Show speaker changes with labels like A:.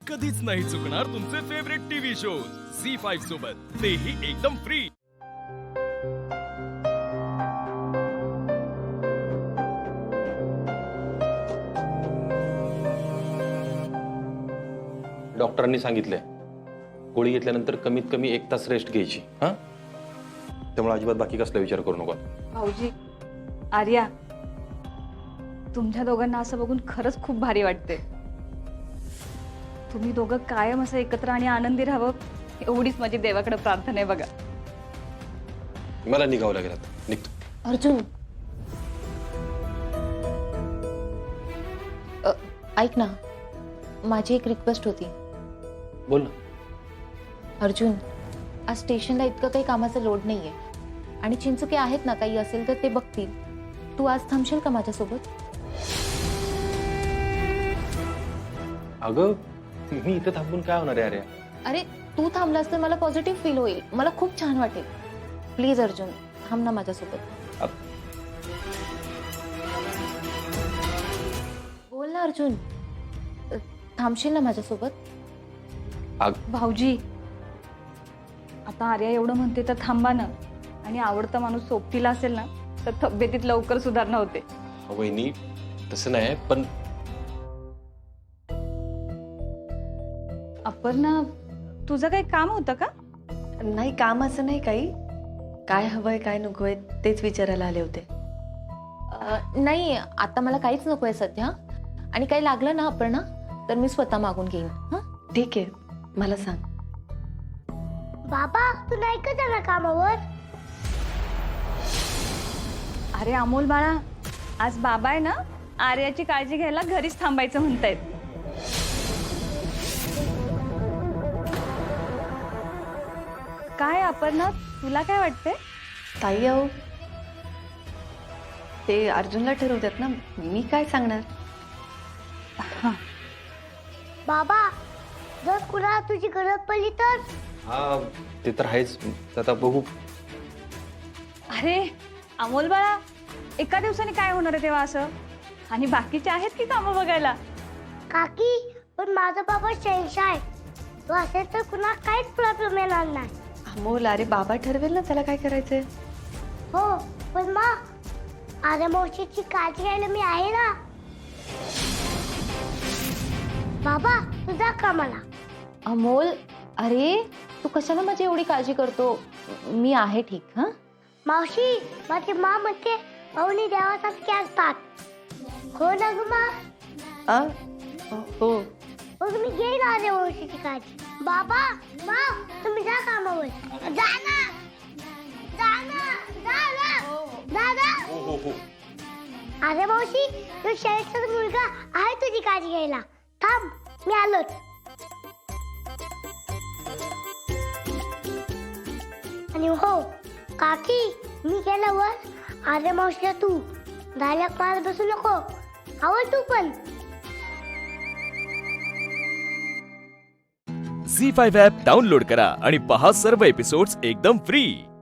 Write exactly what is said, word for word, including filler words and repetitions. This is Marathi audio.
A: कधीच नाही चुकणार तुमचे favourite TV shows C five सोबत, तेही एकदम फ्री।
B: डॉक्टरांनी सांगितलंय गोळी घेतल्यानंतर कमीत कमी एक तास रेस्ट घ्यायची। हा, त्यामुळे अजिबात बाकी कसला विचार करू नका।
C: भाऊजी, आर्या, तुमच्या दोघांना असं बघून खरंच खूप भारी वाटते। तुम्ही दोघं कायम असं एकत्र आणि आनंदी राहावं एवढीच माझी देवाकडे प्रार्थना आहे बघा।
B: मला निघावं लागेल आता, निघतो।
D: अर्जुन, अ, ऐक ना, माझी एक रिक्वेस्ट होती।
B: बोल ना।
D: अर्जुन, आज स्टेशनला इतकं काही कामाचा लोड नाहीये आणि चिंचुके आहेत ना, काही असेल तर ते बघतील। तू आज थांबशील का माझ्यासोबत?
B: अगं, मी इथं थांबून काय होणार आहे? अरे
D: अरे, तू थांबलास तर मला पॉझिटिव्ह फील होईल, मला खूप छान वाटेल। प्लीज अर्जुन, थांब ना माझ्यासोबत।
B: अब-
D: बोल ना अर्जुन, अ, थांबशील ना माझ्यासोबत?
B: अग-
C: भाऊजी, आता आर्या एवढं म्हणते तर थांबा ना। आणि आवडता माणूस सोबतीला असेल ना तर तब्येतीत लवकर सुधारणा होते।
B: वहिनी, तसं नाही, पण
C: अपर्णा, तुझं काही काम होतं का?
E: नाही, काम असं नाही काही। काय हवंय काय नकोय तेच विचारायला आले होते।
D: अ, नाही, आता मला काहीच नकोय सध्या। आणि काही लागलं ना अपर्णा तर मी स्वतः मागून घेईन। हा,
E: ठीक आहे, मला सांग।
F: बाबा, तू नाही का जाणार कामावर?
C: अरे अमोल बाळा, आज बाबा आहे ना आर्याची काळजी घ्यायला घरीच थांबायचं म्हणतायत। काय अपर्णा, तुला काय वाटतंय?
E: ताई अहो, ते अर्जुनला ठरवतात ना, मी काय सांगणार।
F: बाबा, जर कुणाला तुझी गरज पडली तर?
B: हा, ते तर आहेच। आता बघू।
C: अरे अमोल बाळा, एका दिवसाने काय होणार आहे तेव्हा असं? आणि बाकीचे आहेत की कामं बघायला?
F: काकी, पण माझा बाबा शहनशाह आहे। तो असेल तर कुणाला काहीच प्रॉब्लेम येणार नाही।
E: अमोल, अरे बाबा ठरवेल ना त्याला काय करायचंय।
F: हो, पण मग आर्या मावशीची काळजी घ्यायला मी आहे ना। बाबा, तुझा कामाला।
D: अमोल, अरे तू कशाला माझी एवढी काळजी करतो? मी आहे ठीक। हा,
F: मावशी, माझी मा म्हणते पाहुणे देवासारखे असतात। हो ना ग मा?
E: आ? हो।
F: मग मी घेईन आर्या मावशीची काळजी। बाबा, मा, तुम्ही जा कामावर। जा ना, जा ना, जा ना, जा ना। अरे मावशी, तो शेळीचा मुलगा आहे तुझी काळजी घ्यायला। थांब, मी आलोच। आणि हो काकी, मी गेल्यावर आर्या मावशीला तू डायलॉग मारत बसू नको, आवड तू पण।
A: सी फाईव्ह ॲप डाउनलोड करा आणि पहा सर्व एपिसोड्स एकदम फ्री।